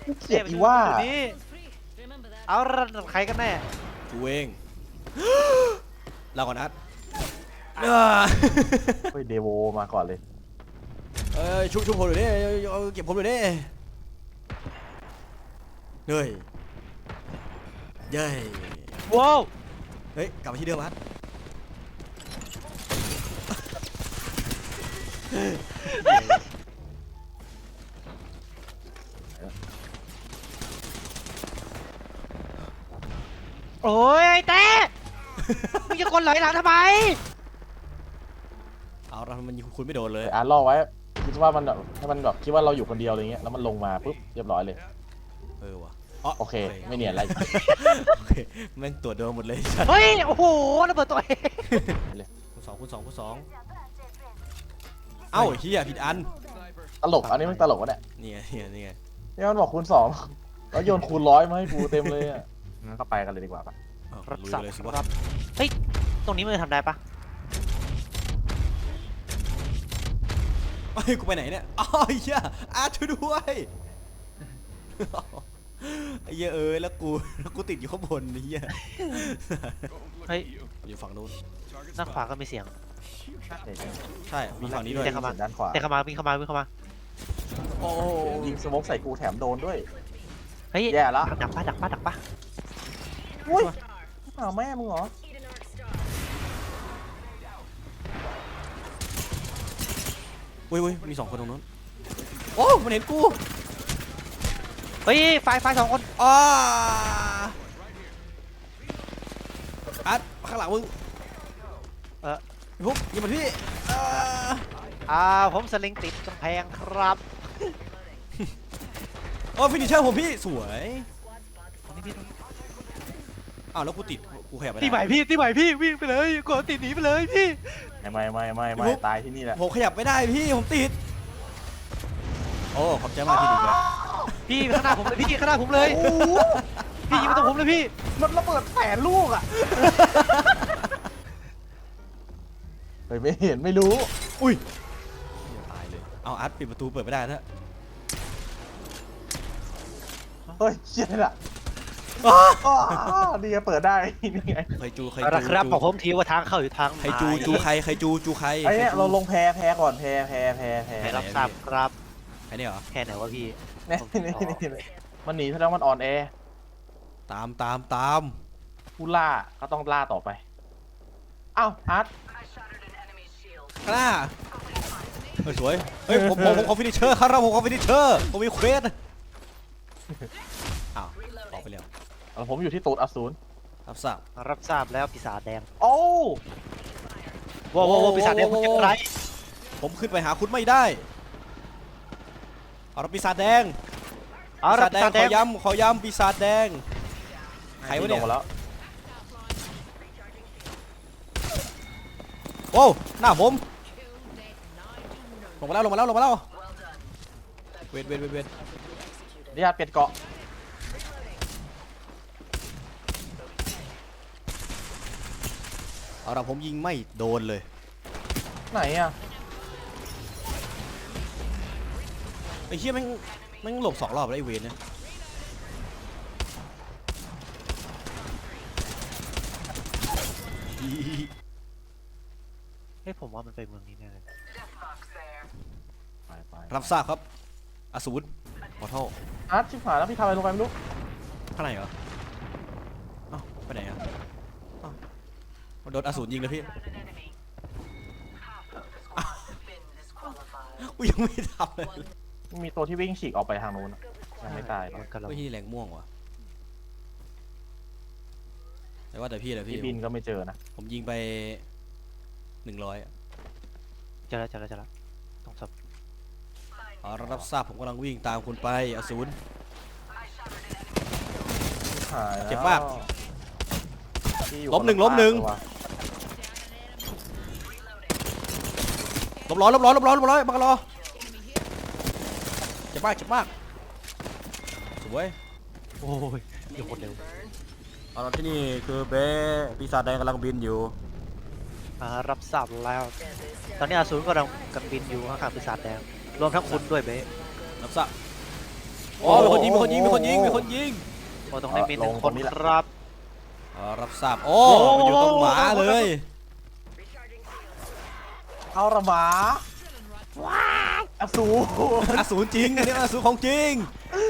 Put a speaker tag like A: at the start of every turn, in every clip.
A: เกลียดอีว่า
B: นี่เอาระดับใครกันแน่
C: กูเองเราก่อนนัด
A: เฮ้ยเดโวมาก่อนเลย
C: ชุบผมหน่อยดิเอาเก็บผมหน่อยดิเฮ้ยเย้ย
B: ว้าว
C: เฮ้ยกลับมาที่เดิมฮัท
B: โอ้ยไอ้เต้มึงจะคนไหลหลังทำไม
C: เอาเรามันยิงคุณไม่โดนเลย
A: อ่านล่อไว้คิดว่ามันแบบให้มันแบบคิดว่าเราอยู่คนเดียวอะไรเงี้ยแล้วมันลงมาปุ๊บเรียบร้อยเลย
C: ว่ะ
A: โอเคไม่เนียนอะไร
C: โอเคแม่งตรวจโดนหมดเลย
B: เฮ้ยโอ้โหระเบิดตัวเอง
C: คูณสองเอ้าเฮียผิดอัน
A: ตลกอันนี้มันตลกวะเนี่ย
C: นี่ไงนี่ไง
A: นี่มันบอกคูณ2แล้วโยนคูณ100มาให้กูเต็มเลยอ่ะงั้นก็ไปกันเลยดีกว่าปะ
B: รับ
C: ลุย
B: สับ
C: เลยสิวะ
B: รับเฮ้ยตรงนี้มันทำได้ปะ
C: เฮ้ยกูไปไหนเนี่ยอ๋อเฮียช่วยด้วยไอ้เหี้ยแล้วกูติดอยู่ข้างบนไอ้เหี้ย
B: เฮ้ย
C: อยู่ฝั่งนู้น
B: ด้านขวาก็มีเสียง
C: ใช่มีฝั่งนี้ด้วย
B: เดี๋ยวเข้ามา
A: ด้านขวา
B: เตะเข้ามาวิ่งเข้ามาวิ่งเข้ามา
C: โอ้
A: ยิงสโมกใส่กูแถมโดนด้วย
B: เฮ้ย
A: แย่ละ
B: ดักปะดักปะดักปะ
A: อุ้ยอ้าวแม่มึงเหรอ
C: อุ้ยมี2 คนตรงนู้นโอ้มันเห็นกู
B: เฮ้ยไฟสองคน
C: อ้าข้างหลังมึงพี่พุกยิงมันพี่
B: ผมสลิงติดกำแพงครับ
C: โอ้ฟินิชเชอร์ผมพี่สวย
B: ตรงนี้พี่
C: อ้าวแล้วกูติดกูขยับไป
B: ตีใหม่พี่วิ่งไปเลยกดติดหนีไปเลยพี่
A: ไม่ตายที่นี่แหละ
C: ผมขยับไม่ได้พี่ผมติดโอ้ขอบใจมากที่ดึงเลย
B: พี่ข้างหน้าผมเลยพี่ข้างหน้าผมเลยพี่ยิงมาตรงผมเลยพี่
A: มันระเบิดแผนลูกอ่ะเฮ้ยไม่เห็นไม่รู้
C: อุ้ยตายเลยเอาปิดประตูเปิดไม่ได้นะ
A: เฮ้ยเชี่ยน่ะดีเปิดได้นี่ไง
C: ใครจู
B: ครับบอกผมทีว่าทางเข้าอยู่ทาง
C: ใครจูใครใคร
A: ไอ้เนี่ยเราลงแพก่อนแพ
B: ให้รับทราบครับ
C: ใครเนี่ยเหรอ
B: แค่ไหนวะพี่
A: นี่มันหนีแสดงมันอ่อนแอ
C: ตาม
A: ผู้ล่าก็ต้องล่าต่อไปอ้าวอาร์ต
C: ข้างหน้าสวยเฮ้ยผมขอฟินิชเชอร์ครับผมขอฟินิชเชอร์ผมมีเควสอ้าวออกไปแล้ว
A: ผมอยู่ที่ตูดอสูร
C: รับทราบ
B: รับทราบแล้วปีศาจแดง
A: โอ้
B: ว้าวปีศาจแดงมันจะไร
C: ผมขึ้นไปหาคุณไม่ได้เอาปีศาจแดง
B: เอาปีศาจแดง
C: ขอย้ำปีศาจแดงใครวะเนี่ย
A: แล้ว
C: โอ้หน้าผมลงมาแล้วเวท
A: นี่ฮะเปลี่ยนเกาะ
C: เอาละผมยิงไม่โดนเลย
A: ไหนอ่ะ
C: ไอ้เหี้ยแม่งหลบ2 รอบแล้วไอ้เวนเนี่ย
B: เฮ้ยผมว่ามันไปเมืองนี้แน่เลย
A: ไป
C: รับทราบครับอสูรขอโทษ
A: อาร์ตชิบหายแล้วพี่ทำอะไรลงไปไม่รู้
C: ข้างในเหรอเอ้าไปไหนอ่ะเอ้าโดนอสูรยิงเลยพี่กูยังไม่ทำเลย
A: มีตัวที่วิ่งฉีกออกไปทางนู้นยังไม่ตาย
B: กันเรา
C: ไม่ใช่แรงม่วงว่ะแต่ว่าแต่พี่
A: พี่บินก็ไม่เจอนะ
C: ผมยิงไป100
B: เจอแล้วต้องสับ
C: รับทราบผมกำลังวิ่งตามคุณไปอสูร เจ็บมาก ล้มหนึ่งลบร้อยบังกะรอเจ็บมากสวย
B: โอ้ยเดี๋ยวคนเร็ว
C: เอาละที่นี่คือเบปีศาจแดงกำลังบินอยู่
B: รับทราบแล้ว ตอนนี้อสูรก็กำลังบินอยู่ข้างๆปีศาจแดงรวมทั้งคุณด้วยเบ๊
C: รับทราบอ๋อมีคนยิงมีคนยิงมีคนยิงมีคนยิง
B: โอ้ตรงนี้มีหนึ่งคนครับ
C: รับทราบโอ้มันอยู่ตรงหมาเลย
A: เอาละหมาอสูร
C: อสูรจริงอันนี้อสูรของจริง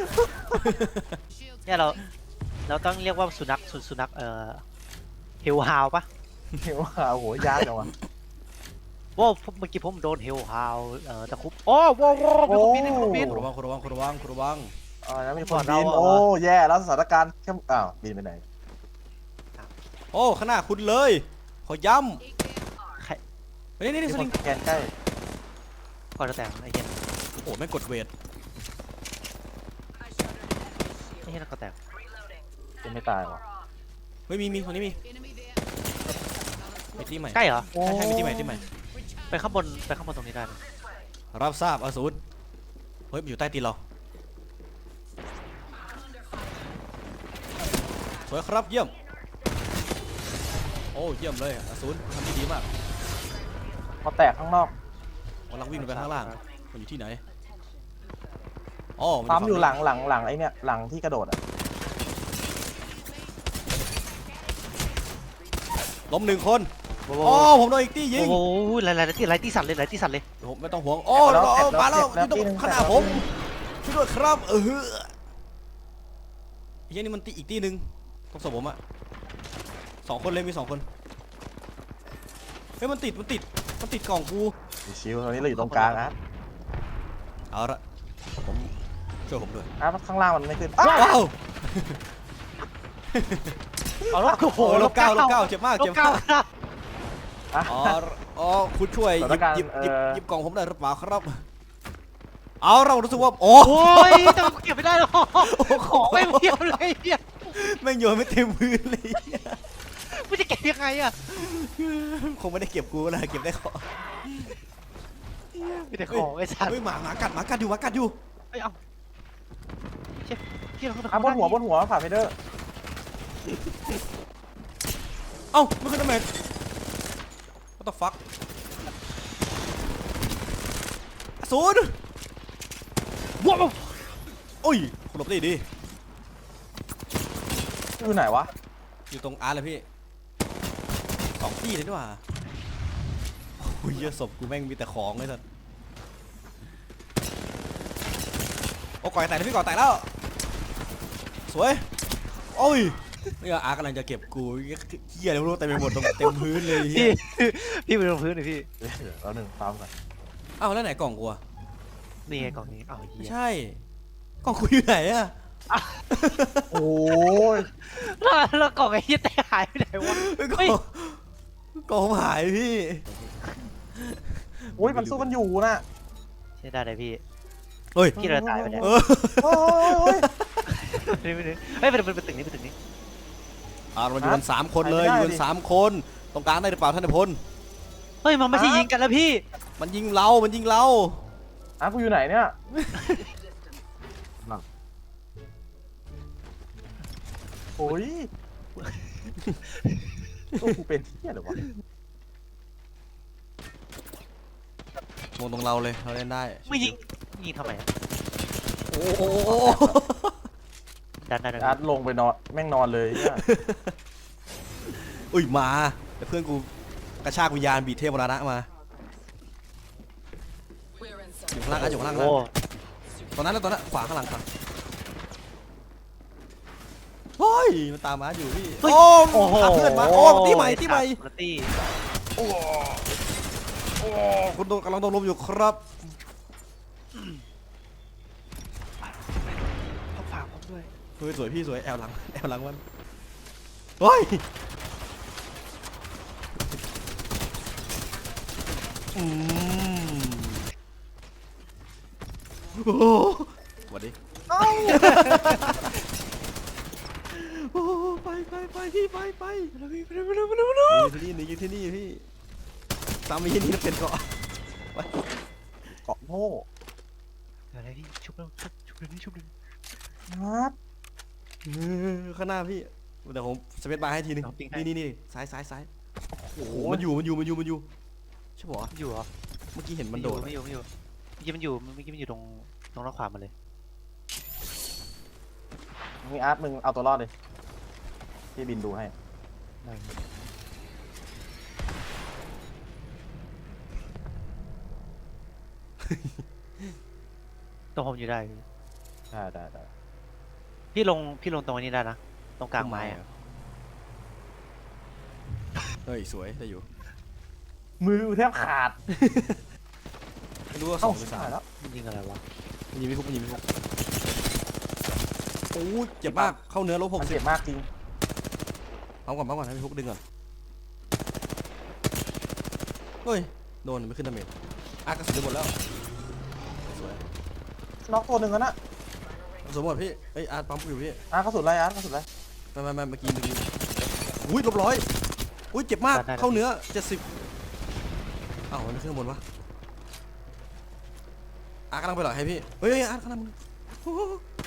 B: เนี่ยเราต้องเรียกว่าสุนัขเฮลฮาวปะ
A: เห็นว่าโอ้โหยากจังวะ
B: ว้าวเมื่อกี้ผมโดนเฮลฮาวตะคุบโอ้ว้าวมีคนบินมีคนบิน
C: คุณระวังคุณระวังคุณระวังคุณระวัง
A: แล้วมีคนบินโอ้แย่แล้วสถานการณ์เข้มอ้าวบินไปไหน
C: โอ้ข้างหน้าคุณเลยขอย้
B: ใคร
C: ำนี่นี่
A: มี
C: ส
A: ค
C: ลิ
A: น
C: ง
A: แกนใกล้
B: ก่อนจะแต่งไอ้เหี้ย
C: โอ้ไม่กดเวท
B: ไอ้เหี้ยนั่นก็แต่ง
A: ยังไม่ตายวะ
C: ไม่มีคนนี้มีที่ใหม่
B: ใกล้เหรอ
C: ใช่มีที่ใหม่ที่ใหม่
B: ไปข้างบนตรงนี้ได้นะ
C: รับทราบอสูรเฮ้ยมันอยู่ใต้ตีนเราสวยครับเยี่ยมโอ้เยี่ยมเลยอสูรทำได้ดีมาก
A: พอแตกข้างนอก
C: กำลังวิ่งลงไปข้างล่างมันอยู่ที่ไหนอ๋อมัน
A: ปั๊มอยู่หลัง
C: ฝั่
A: หลังไอ้เนี่ยหลังที่กระโดดอ่ะ
C: ล้มหนึ่งคน
B: โอ้
C: อ๋อผมโดนอีกตียิง
B: โหหลายที่สั่นเลย
C: ผมไม่ต้องห่วงโอ้เรามาแล้วที่ตรงขนาดผมช่วยด้วยครับไอ้เหี้ยนี่มันตีอีกตีหนึ่งต้องสมผมอะ2 คนเลยมี2 คนเฮ้ยมันติดกล่องกู
A: ชิวๆตอนนี้เราอยู่ตรงกลางนะ
C: เอาละผมช่วยผมด้วย
A: ข้างล่างมันไม่ขึ้น
C: ว้าว
B: เอาแล้วโอ้โห
C: ลบเก้าเจ็บมาก
B: ลบเก้าครับ
C: อ๋อคุณช่วยหยิบกล่องผมได้หรือเปล่าครับเอาเรารู้สึกว่าโอ้
B: โอ้ยแต่เก็บไม่ได้หรอกของไม่เพียบเลยเนี่ย
C: แม่งโยนไม่เต็มพื้นเลย
B: กูจะเก็บยังไงอะ
C: คงไม่ได้เก็บกูนะเก็บได้ของ
B: มีแต่ของไอ้สัตว์
C: เฮ้ยหมากัดอยู่
B: เอ้ยเอาเชี่ยที่เราขึ้นไป
A: บนหัวผ่าเพเดอร์
C: เอ้าไม่ขึ้นทำไม What the fuck ศูนย์ว้าวโอ้ยคุณหลบได้ดี
A: อยู่ไหนวะ
C: อยู่ตรงอาร์เลยพี่2 ที่เลยดีกว่าโอ้ยเยอะศพกูแม่งมีแต่ของเลยสัสโอ้ก่อยแตกแล้วพี่ก่อยแตกแล้วสวยโอ้ยนี่ก็อาร์กำลังจะเก็บกูเหี้ยอะไรไม่รู้เต็มไปหมดตรงเต็มพื้นเลยเหี้
B: พี่
C: ย
B: ไปลงพื้นเลยพี่
A: แล้วหนึ่งตามกัน
C: อ้าวแล้วไหนกล่องกูอะ
B: นี่ไงกล่องนี้อ้าว
C: ไม่
B: เหี้ย
C: ใช่กล่องกูอยู่ไหนอะ
A: โอ้ย
B: แล้วกล่องไอ้เหี้ยแต่หายไปไหนวะ
C: กล่องกล่องผมหายพี่
A: โอ้ยมันสู้กันอยู่น่ะ
B: ใช่ได้เลยพี่
C: เฮ้ย
B: พี่เราตายไปเนี่ย
A: โอ้ย
B: ไม่ได้เฮ้ยเป็นตึกนี้
C: เราอยู่กัน3 คนเลยอยู่กัน3 คนตรงกลางได้หรือเปล่าท่านนายพล
B: เฮ้ยมันไม่ใช่ยิงกันแล้วพี่
C: มันยิงเรา
A: กูอยู่ไหนเนี่ยโอ้ยกูเป็นเที่ยหรือวะ
C: มองตรงเราเลยเราเล่นได้
B: ไม่ยิงทำไมอะ
C: โอ้โห
B: ดัน
A: อาร์ตลงไปนอนแม่งนอนเลยเนี่ย
C: อุ้ยมาแต่เพื่อนกูกระชากวิญญาณบีเทพมรณะมาอยู่ข้างล่างอยู่ข้างล่าง
B: โอ้
C: ตอนนั้นแล้วตอนนั้นขวาข้างหลังครับเฮ้ยมันตามมาอยู่พี่โอ้หาเพื่อนมาโอ้ที่ใหม่
B: ตี้
C: โอ้คุณกำลังโดนลมอยู่ครับ
B: เขาฝากผมด้วย
C: เฮ้ยสวยพี่สวยแอลหลังมันเฮ้ยโอ้สวัสดีโอ้ไปพี่ไปยืนที่นี่พี่ตามไปยืนที่นั่นเป็นเกาะ
A: เกาะโง่
B: อะไรพี่ชุบเลย
A: อาร์ต
C: ข้างหน้าพี่เดี๋ยวผมสเปซบาร์ให้ทีนึงนี่ซ้ายโอ้โหมันอยู่ใช่ปะวะ
B: อยู่เหรอ
C: เมื่อกี้เห็นมันโดด
B: ไม่อยู่เมื่อกี้มันอยู่ตรงด้านขวามาเลย
A: มีอาร์ตมึงเอาตัวรอดเลยพี่บินดูให้
B: ต้องผมอยู่ได้
A: ได้
B: พี่ลงตรงนี้ได้นะตรงกลางไม้อะ
C: เฮ้ยสวยได้อยู่
A: มือแทบขาด
C: ไม่รู้ว่าส
A: เอ้า
C: องหรือสาม
A: หายแล้ว
B: มันยิงอะไรวะ
C: มันยิงไม่พุกมันยิงไม่พุกโอ้ยเจ็บมากเข้าเนื้อลบ
A: มัน
C: 60
A: เจ็บมากจริง
C: เอาก่อนให้พี่พุกดึงก่อนเฮ้ยโดนไม่ขึ้นดาเมจกระสุนจะหมดแล้วสวย
A: น็อกตัวหนึ่งแล้วนะ
C: กระสุนหมดพี่เอ้ยอาร์ตปั๊มอยู่พี่
A: อาร์ตกระสุนอะไรอาร์ตกระสุนอะไร
C: ไม่เมื่อกี้อุ้ยลบ100อุ้ยเจ็บมากเข้าเนื้อ70อ้าวมันขึ้นข้างบนวะอาร์ตกำลังไปหรอให้พี่เฮ้ยอาร์ตกำลังโอ้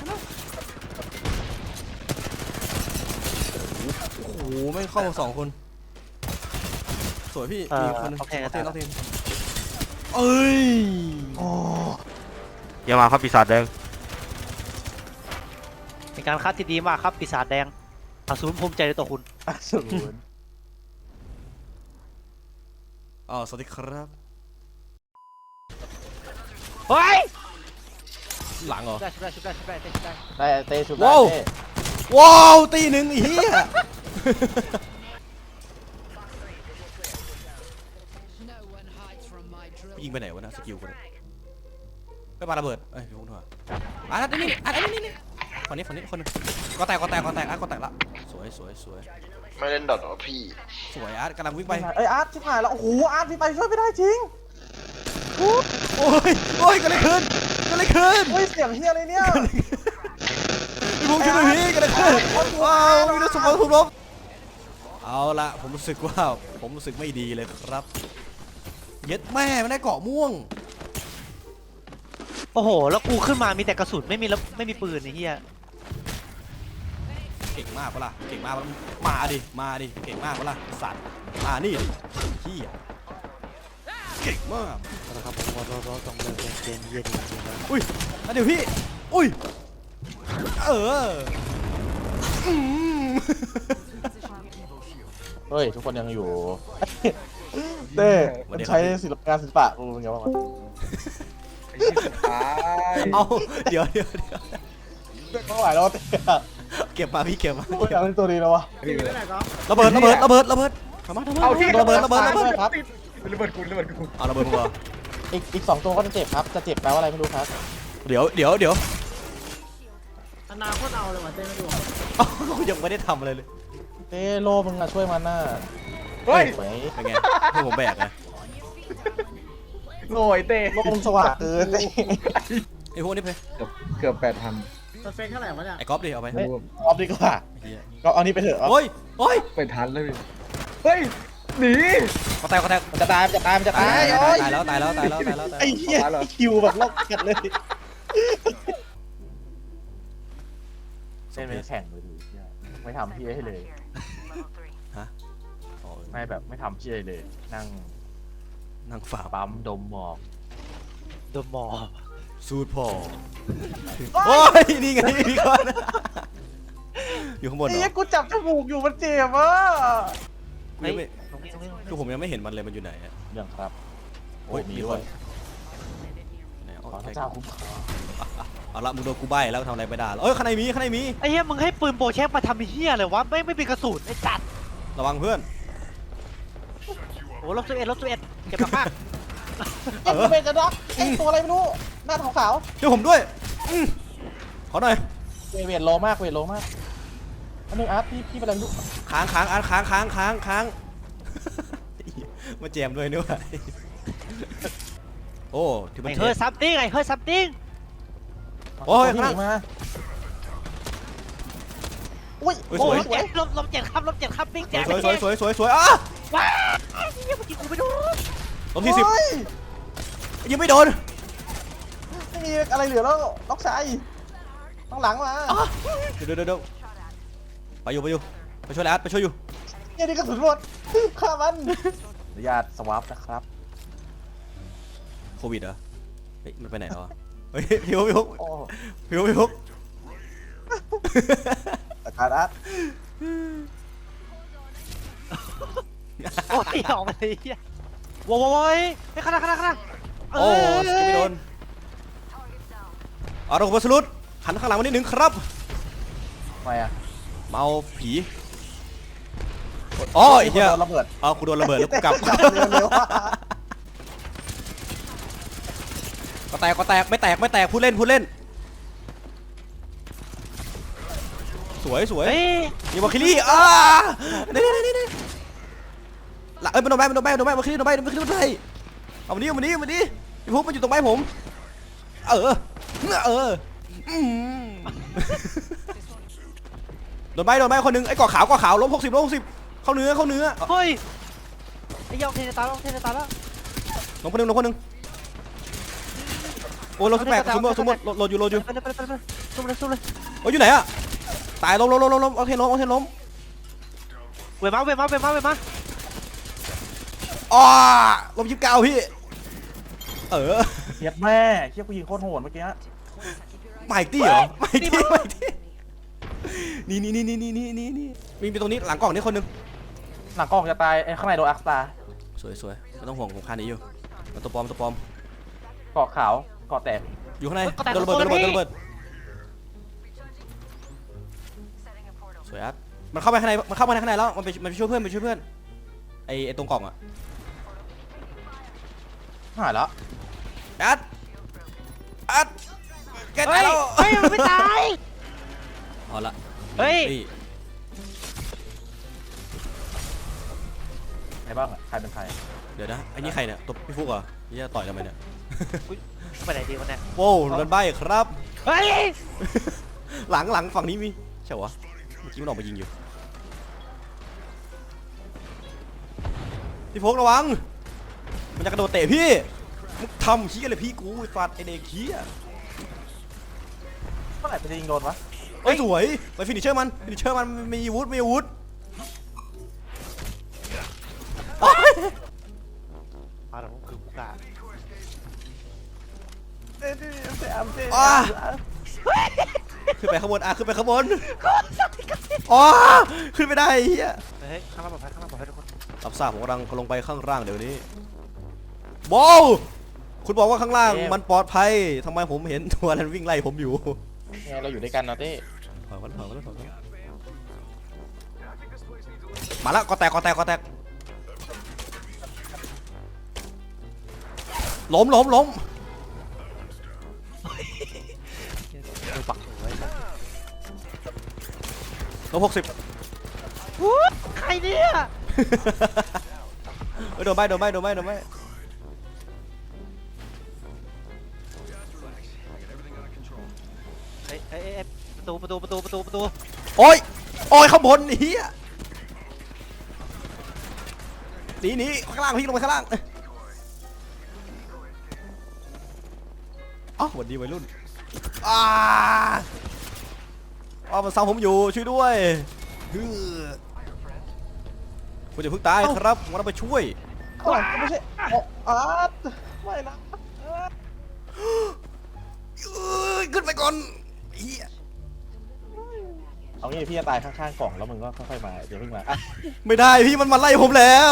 C: โหไม่เข้า2 คนสวยพี่มีคนนึงเอาเทนเอ้ย
A: โอ้
D: อย่ามาครับปีศาจแดง
B: เป็นการคัดที่ดีมากครับปีศาจแดงอสูรภูมิใจในตัวคุณ
A: อสูร
C: สวัสดีครับ
B: เฮ้ย
C: หลังเหรอ
B: ชุบได้
A: ได้เตะชุบ
C: ว้าว
A: ได้เตะ
C: ว้าวตีหนึ่งไอ้เหี้ย
E: No one hides from my drill.
C: ยิงไปไหนวะนะสกิลคนไปปาระเบิดเอ้ยพี่พุ่งเถอะนี่ฝั่งนี้คนนึงก็แตกอาร์ตก็แตกละสวย
D: ไม่เล่นดอทหรอพี่
C: สวยอาร์ตกำลังวิ่งไป
A: เอ้ยอาร์ตชิบหายแล้วโอ้โหอาร์ตพี่ไปช่วยไม่ได้จริง
C: โอ้ยกันเลยคืน
A: เฮ้ยเสียงเฮียอะไรเนี่ย
C: พี่พุ่งช่วยหน่อยพี่กันเลยคืนว้าวมีรถสมองถูกลบเอาละผมรู้สึกไม่ดีเลยครับเย็ดแม่มันได้เกาะม่วง
B: โอ้โหแล้วกูขึ้นมามีแต่กระสุนไม่มีปืนไอ้เหี้ย
C: เก่งมากปะล่ะเก่งมากปะล่ะมาดิเก่งมากปะล่ะสัตว์นี่ดิขี้อ่ะเก่งมาก
B: นะครับผมว่าเราต้องเลิกเล่นเกมเหี้ยจริงๆแล้ว
C: อุ้ยเดี๋ยวพี่อุ้ยอืม
A: เฮ้ยทุกคนยังอยู่เต้มันใช้งานศิลปะกูเป็นไงบ้างวะ
C: เอาเดี๋ยว
A: ไม่ไหวแล้วเต้
C: เก็บมาพี่เก็บมา
A: โอ้ยอยากเล่นตัวนี้แล้ววะ
C: ระเบิดทำไมระเบิด
A: ด้วยครับ
C: เอาระเบิดมึงเหรอ
A: อีก2ตัวก็จะเจ็บครับจะเจ็บแปลว่าอะไรไม่รู้ครับ
C: เดี๋ยว
F: อนาคตเอาเลยว่ะเต้ไม่ดู
C: ยังไม่ได้ทำอะไรเลย
A: เต้โลมึงอะช่วยมันน่ะ
G: เฮ้ย
A: ไหม
C: เป็นไงให้ผมแบกนะ
G: โง่ไอ้เต้
A: โลมึงสว่างเกินเต้
C: ไอ้พวกนี้เพ
G: เกือบ8,000
F: สเปคเท่าไหร่วะเนี่ย
C: ไอ้ก๊อฟดิเอาไป
A: เฮ้ยออฟดีกว่าก็เอานี้ไปเถอะ
C: โอ้ย
G: ไปทันเลยพี่เฮ้ย หนี
C: ก็แตก
A: มันจะตายโอ้ย
C: ตายแล้ว
A: ไอ้เหี้ยคิวแบบโลกกันเลยเล่นไม่แข่งเลยดิไม่ทำพี่ให้เลย ไม่แบบไม่ทำพี่เลยนั่ง
C: ฝ่า
A: ปั๊มดมหมอก
B: โดนหมอ
C: สูตรพอโอ้ยนี่ไงพี่ก้อนอยู่ข้างบนเหร
A: ไอ้
C: อ
A: เหี้ยกูจับจมูกอยู่มันเจ็บอ่ะ
C: กูยังไม่
B: ตรงนี้
C: คือผมยังไม่เห็นมันเลยมันอยู่ไหนอะ
A: เรื่องครับ
C: โอ้ยมีคน ไหน
A: ขอพระเจ้าคุ้มครอง
C: เอาละมึงโดนกูใบ้แล้วทำอะไรไม่ได้แล้วเอ้ยข้างในมี
B: ไอ้เหี้ยมึงให้ปืนโบแช็กมาทำเหี้ยเลยวะไม่เป็นกระสุนไอ้จัด
C: ระวังเพื่อน
B: โอ้ลบ11เก็บมาก
A: ไอ้กูเป็นกระดอกไอ้ตัวอะไรไม่รู้หน้าขาว
C: ช่วยผมด้วยขอหน่อย
A: ๆเวทโลมากอันนึงอาร์ตพี่เป็นอะไรไม่รู้
C: ค้างอาร์ตค้าง มาแจมด้วยนี่วะโอ้ที่มัน
B: ไอ้เฮ้ยซัมติง
C: โอ้ย
A: พี่หนีมาอุ้ย
C: เฮ้ย
B: โอ้
C: สวย
B: ลบ7ครับลบ7ครับบิ๊กแจ๊
C: สวยอ่ะ
B: ว้าเหี้ยเมื่อกี้กูไม่โดน
C: ลบที่10
A: เฮ้ย
C: ยังไม่โดน
A: ไม่มีอะไรเหลือแล้วล็อกชายต้องหลังมา
C: เดี๋ยวไปอยู่ไปช่วยอาร์ตไปช่วยอยู่
A: เนี่ยนี่กระสุนหมดฆ่ามันอนุญาตสวาปนะครับ
C: โควิดเหรอเฮ้ยมันไปไหนแล้วอะเฮ้ยพี่ฮุก
A: โอ้
C: พี่ฮุก
A: แต่การอาร์ต
B: โอ้ยออกมาเลยเฮียโว้ยไอ้ข้างหน้า
C: โอ้สกิปไม่โดนเอาเราบอสลุดหันข้างหลังมานิดนึงครับ
A: ทำไมอ่ะ
C: เมาผีอ๋อไอ้เหี้ย
A: โดนระเบิด
C: เอากูโดนระเบิดแล้วกูกลับ
A: เร็วๆว่ะ
C: ก็แตกไม่แตกพูดเล่นสวย
B: เฮ้ย
C: มีวอลคิลี่นี่ละมันโดนใบวอลคิลี่โดนใบเอามานี่พี่พุกมันอยู่ตรงใบผมโดนใบคนนึงไอ้ก่อขาวล้ม60เข้าเนื้อ
B: เฮ้ยไอ้ยองเทนตายแล้ว
C: ล้มคนนึงโอ้ล้ม18สมมติโหลดอยู่
B: ไปสู้เลย
C: โอ้ยอยู่ไหนอะตายล้มโอเคล้ม
B: เวมา
C: อ๋อล้ม29พี่
A: เฮียแม่เฮียกูยิงโคตรโหดเมื่อกี้
C: ไมตี้เหรอไมตี้นี่มีตรงนี้หลังกล่องนี่คนนึง
A: หลังกล้องจะตายไอ้ข้างในโดนอักตา
C: สวยไม่ต้องห่วงผมคานี้อยู่มันตัวปลอม
A: เกาะขาวเกาะแตก
C: อยู่ข้างในโดนระเบิดสวยอัดมันเข้ามาข้างในแล้วมันไปช่วยเพื่อนไอ้ตรงกล่องอะ
A: หายแล้ว
C: อัดแกตายแล้ว
B: เฮ้ยมันไม่ตาย
C: เอาละ
B: เฮ้ย
A: ใครบ้างอ่ะใครเป็นใคร
C: เดี๋ยวนะไอ้นี่ใครเนี่ยตบพี่ฟุกเหรอนี่จะต่อยทำไมเนี่ย
B: ไปไหนดีวะเนี่ย
C: โว้วโดนใบครับ
B: เฮ้ย
C: หลังฝั่งนี้มีใช่วะเมื่อกี้มันออกมายิงอยู่พี่ฟุกระวังมันจะกระโดดเตะพี่มึงทำขี้อะไรพี่กูฟาดไอเด็กขี้อะ
A: เมื่อไหร่จะยิงโดนวะ
C: เอ้ยสวยไปฟินิชเชอร์มันมีอาวุธ
B: มาแล้วคือกูกะ
C: ขึ้นไปข้างบนขึ้นไปข้างบนอ๋อขึ้นไม่ได้เฮีย
B: เฮ้ยข้างล่างปลอดภัยทุกคน
C: รับทราบผมกำลังลงไปข้างล่างเดี๋ยวนี้ว้าวคุณบอกว่าข้างล่างมันปลอดภัยทำไมผมเห็นตัวนั้นวิ่งไล่ผมอยู่
A: ไงเราอยู่ด้วยกันนะเต้
C: ถอยมาแล้วก็แตกล้ม
B: ดูปักหัวไว้
C: ล้ม60
B: ใครเนี่ย
C: โดนใบ
B: เฮ้ยประตู
C: โอ้ยข้างบนเฮียหนีข้างล่างพี่ลงไปข้างล่างอ๋อสวัสดีวัยรุ่นมันซ้ำผมอยู่ช่วยด้วยคุณจะเพิ่งตายครับผมต้องไปช่วย
A: ไม่ใช่อาร์ตไม่นะ
C: ขึ้นไปก่อนเฮีย
A: เอางี้พี่จะตายข้างๆกล่องแล้วมึงก็ค่อยๆมาเดี๋ยวเพิ่งมาอ่ะ
C: ไม่ได้พี่มันมาไล่ผมแล้ว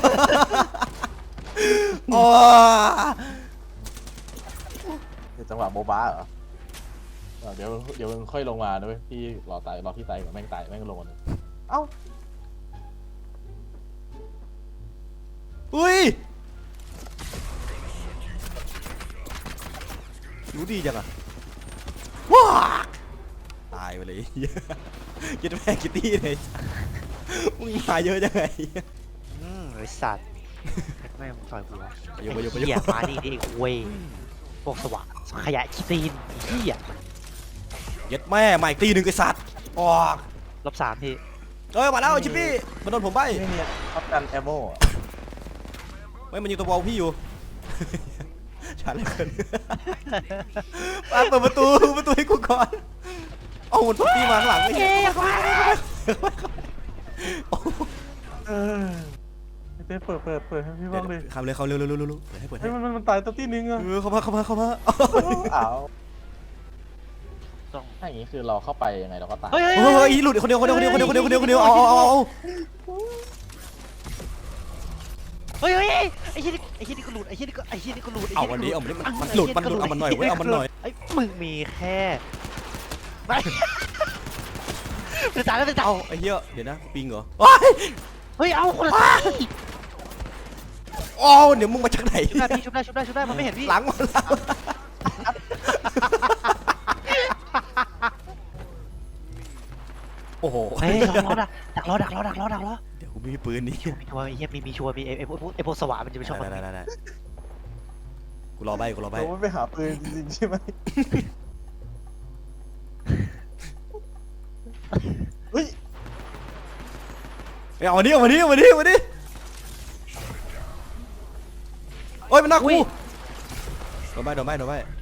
A: จังหวะโบบาเหรอเดี๋ยวมึงค่อยลงมาด้วยพี่รอพี่ตายก่อนแม่งตายแม่งลงมาเลยเอ้า
C: อุ้ยรู้ดีจังอะว้าตายไปเลยยัดแม่กิตตี้เลยมึงมาเยอะจังไง
B: ไอ้สัตว์แม่งต่อยกูวะ
C: ไปอยู่
B: เหี้ยมาดิเว้ยพวกสว่างขยะขี้ตีนเหี้ย
C: ยัดแม่มาอีกตีหนึ่งไอ้สัตว์ออก
B: ลบ3พี่
C: มาแล้วชิปปี้มันโดนผมใบ
A: ไม่มีท็อปกันแอมโม่
C: ไม่มันยิงตัวบอลพี่อยู่ช้าเหลือเกินเปิดประตูให้กูก่อนเอามันตีมาข้างหลังไม่เห็น
A: เต้เปิดให้พี่บ้างเลย
C: เข้าเร็วเปิดให้
A: ให้มันตายตัวที่นึงอ่ะ
C: เข้ามา
A: อ้าว
B: ต้อง
A: ถ้าอย่างนี้คือเราเข้าไปยังไงเราก็ตาย
B: เฮ้ย
C: เฮ้ยหลุดคนเดียวเอา
B: เฮ้ยไอ้เหี้ยนี่ก็หลุดไอ้เหี้ยนี่ก็หลุด
C: เอาวันนี้มันหลุดเอามันหน่อยเว้ยเอามันหน่อย
B: ไอ้มึงมีแค่ไม่เป็นตาแล้วเป็นตา
C: ไอ้เหี้ยเดี๋ยวนะปิงเหรอ
B: เฮ้ยเอาคนละตา
C: อ๋อเดี๋ยวมึงมาจากไหน
B: ชุบได้พี่ชุบได้มันไม่เห็นพี่
C: หลังมาแล้วโอ้โห
B: เฮ้ยดักล้อ
C: เดี๋ยวกูมีปืนนี่
B: มีชัวร์ไอ้เหี้ยมีชัวร์มีไอ้พวกสว่านมันจะไม่ชอบมัน
C: ได้กูรอใบ
A: เราไม่ไปหาปืนจริงๆใช่ไหมเฮ้ย
C: เอามาดิโอ้ยมันน่ากูโดนใบ
A: เราไม่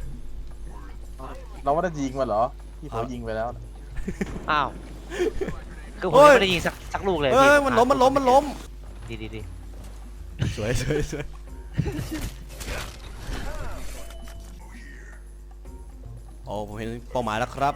A: ได้ยิงมันเหรอพี่เขายิงไปแล้ว
B: อ้าวคือผมไม่ได้ยิงสักลูกเลย
C: เอ้ยมันล้ม
B: ดี
C: สวยโอ้ผมเห็นเป้าหมายแล้วครับ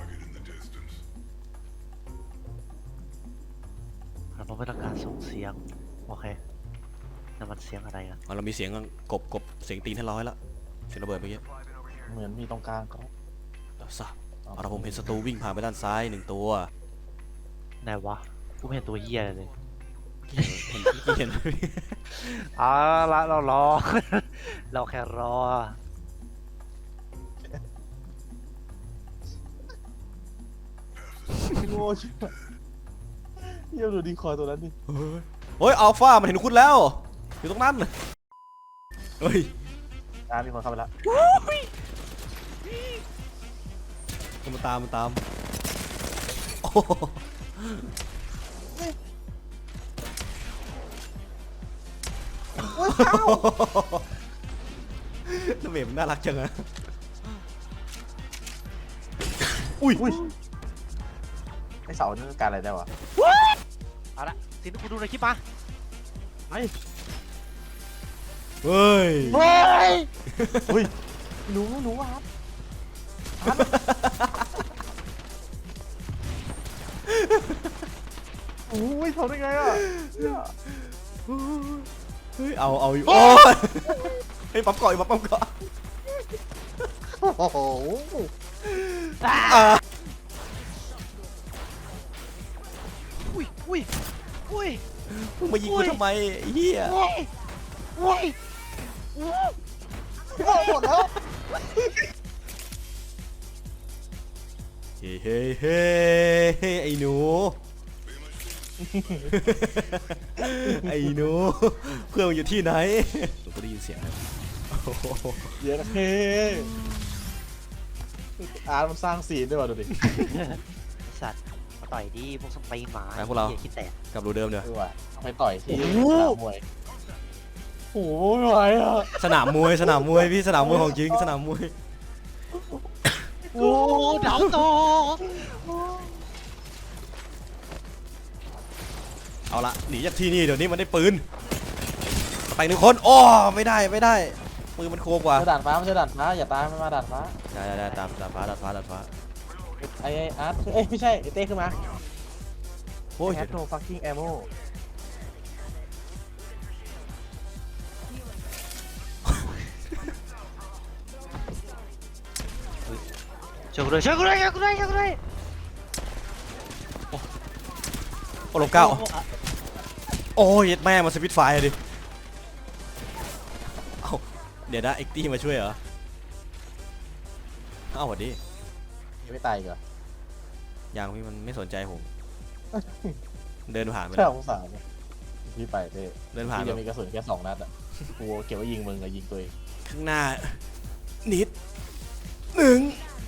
B: เราไม่ต้องการส่งเสียงโอเคนั่นมันเสียงอะไรอ่ะ
C: เรามีเสียงกบเสียงตีนให้ร้อยแล้วเสียงระเบิดเมื่อกี้
A: เหมือนมีตรงกลางครับ
C: เราทราบเราผมเห็นศัตรูวิ่งผ่านไปด้านซ้าย1 ตัว
B: ไหนวะกูไม่เห็นตัวเหี้ยเลย
C: เห็น
B: เอาละเรารอ เราแค่รอ
A: โง่ชิบหายเยี่ยมดูดีคอยตัวนั้นดิ
C: เฮ้ยอัลฟามันเห็นคุณแล้วอยู่ตรงนั้นเฮ้ย
A: มีคนเข้าไปแล้ว
C: มันตามโอ้น้ำเบมันน่ารักจังอะอุ้ย
A: ไอเสานี่การอะไรได้วะ
B: เอาละสิ่งที่กูดูในคลิปมา
C: เฮ้ย
B: เฮ้ย
A: อุ้ยรู้ว่าครับโอ้ยทำได้ไงอ่ะ
C: เฮ้ยเอาอยู่โอ้ยเฮ้ยปั๊มเกาะ
A: โอ้โห
B: อุ้ย
C: มึงมายิงกูทำไมไอ้เหี้ย
B: อุ้ย
A: หมดแล้ว
C: เฮ้ไอ้หนูไอ้หนูเพื่อนอยู่ที่ไหนผมก็ได้ยินเสียงนะ
A: เดี๋ยวนะเฮ้อาร์ตมันสร้างซีนด้วยว่ะดูดิ
B: สัตว์มาต่อยดีพวกสไปร์หมา
C: ไปพวกเรา
B: เหี้ยคิดแตก
C: กลับรูเดิมเดี๋ยว
A: ว่ะไปต่อยที่สนามมวยโอ้โหไม่ไหวอ่ะ
C: สนามมวยพี่สนามมวยของจริงสนามมวย
B: โอ้ดาวโต
C: เอาละหนีจากที่นี่เดี๋ยวนี้มันได้ปืนไป1 คนโอ้ไม่ได้ปืนมันโคกว่า
A: เจอด่านฟ้าไม่ใช่ด่านฟ้าอย่าตามมันมาด่านฟ้า
C: ได้ตามดาดฟ้า
A: ไออาร์ตเอ้ยไม่ใช่ไอเต้ขึ้นมา
C: โอ้ย
A: แฮทโนฟักกิ้งแอมโม
B: ช่วยกูด้วย
C: โอ้ลบเก้าโอ้ยแม่มาสวิตไฟดิเอ้าเดี๋ยวนะเอ็กตี้มาช่วยเหรอเอ้าสวัสดี
A: ยังไม่ตายอีกเหรอ
C: ยังพี่มันไม่สนใจผมเดินผ่านไป
A: แค่สงสารเนี่ยพี่ไปเต้
C: เดินผ่าน
A: พี่
C: แบ
A: จะ
C: บ
A: มีกระสุนแค่2 นัดอ่ะกูเก็บไว้ยิงมึงกับยิงตัวเอง
C: ข้างหน้านิด1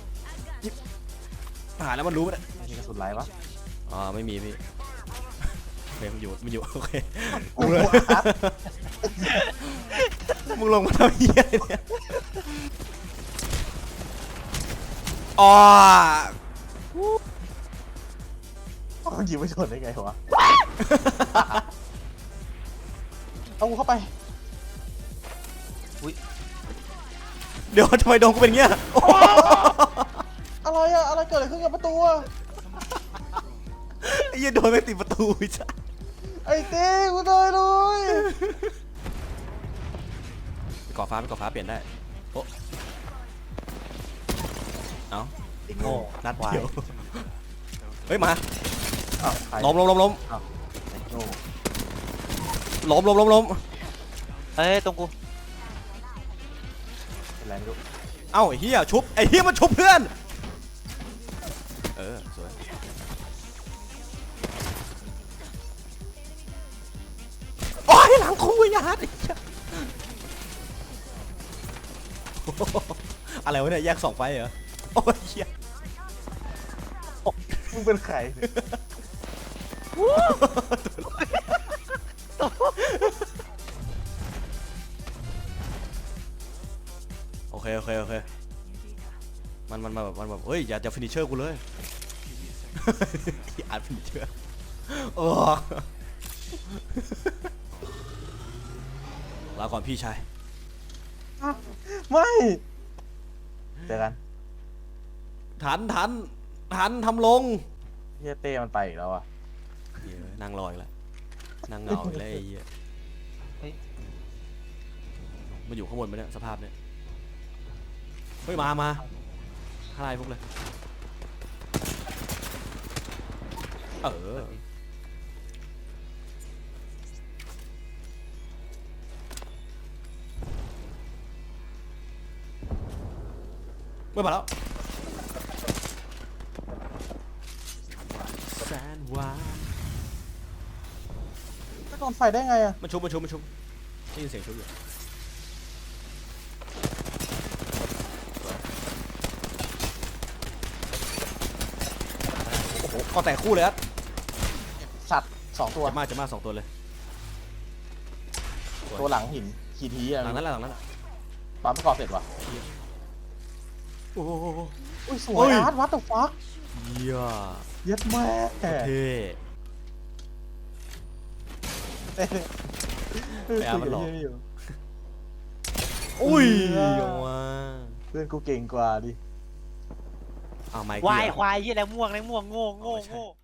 C: ผ่านแล้วมันรู้ไหม
A: มีกระสุนไรวะ
C: อ๋อไม่มีพี่โอเคมันอยู่โอเค
A: กูเลย
C: มึงลงมาทำเหี้ยอะไรเนี่ยอ๋อ
A: มันยิงไม่ชนได้ไงวะเอากูเข้าไป
C: เดี๋ยวทำไมโดนกูเป็นเงี้ย
A: เออะไรอะอะไรเกิดอะไรขึ้นกับประตูอะ
C: ไอ้เหี้ยโดนไม่ติดประตูไอ้สัส
A: ไอ้เต้กูตายเลย
C: ไปก่อฟ้าเปลี่ยนได้โอ้เอ้า
B: ไอ้โง่
C: นัดเดียวเฮ้ยมา
A: อ้าวใคร
C: ล้ม
A: อ้าวไอ้โง่
C: ล้ม
B: เฮ้ยตรงกู
A: เป็นไรไม่รู้
C: เอ้าไอ้เหี้ยชุบไอ้เหี้ยมันชุบเพื่อนสวยโอ้ยหลังคุยยัดไอ้เหี้ยอะไรวะเนี่ยแยกสองไฟเหรอโอ้ยเหี้ย
A: มึงเป็นใครเนี่ย
C: โอเคมันแบบเฮ้ยอย่าจะฟินิชเชอร์กูเลยอ่านฟินิชเชอร์โอ้ลาก่อนพี่ชาย
A: ไม่เจอกัน
C: ทันทำลง
A: เฮียเต้มันไปอีกแล้วอะ
C: เหี้ยนั่งรออีกแล้วนั่งเหงาอีกแล้วไอ้เหี้ย
B: เฮ้ย
C: มาอยู่ข้างบนไหมเนี่ยสภาพเนี่ยเฮ้ยมาอะไรพวกเลยไม่มาแล้วแสนหวาน
A: ไม่โดนไฟได้ไงอะ
C: มันชุบได้ยินเสียงชุบอยู่โอ้โหก็แต่คู่เลยครับ
A: สัตว์สองตัว
C: จะมาสองตัวเลย
A: ตัวหลังหินขีทีอะ
C: หลังนั้นแหละ
A: ปั๊มก่อเสร็จวะ
C: โอ้โห
A: อุ้ยส
C: เฮ้
A: วย
C: ย
A: อาร์ตวัดตัวฟัก
C: เยี่ย
A: เย็ดแม่
C: เท่
A: เต้
C: ไปอาร์ตมันหลอก
A: คุยกับเหี้ยนี่อยู่
C: อุ้ย
A: เออ
C: เอาว่า
A: เพื่อนกูเก่งกว่าดิ
C: เอาไมค์
B: วายควายยี่อะไรม่วงโง่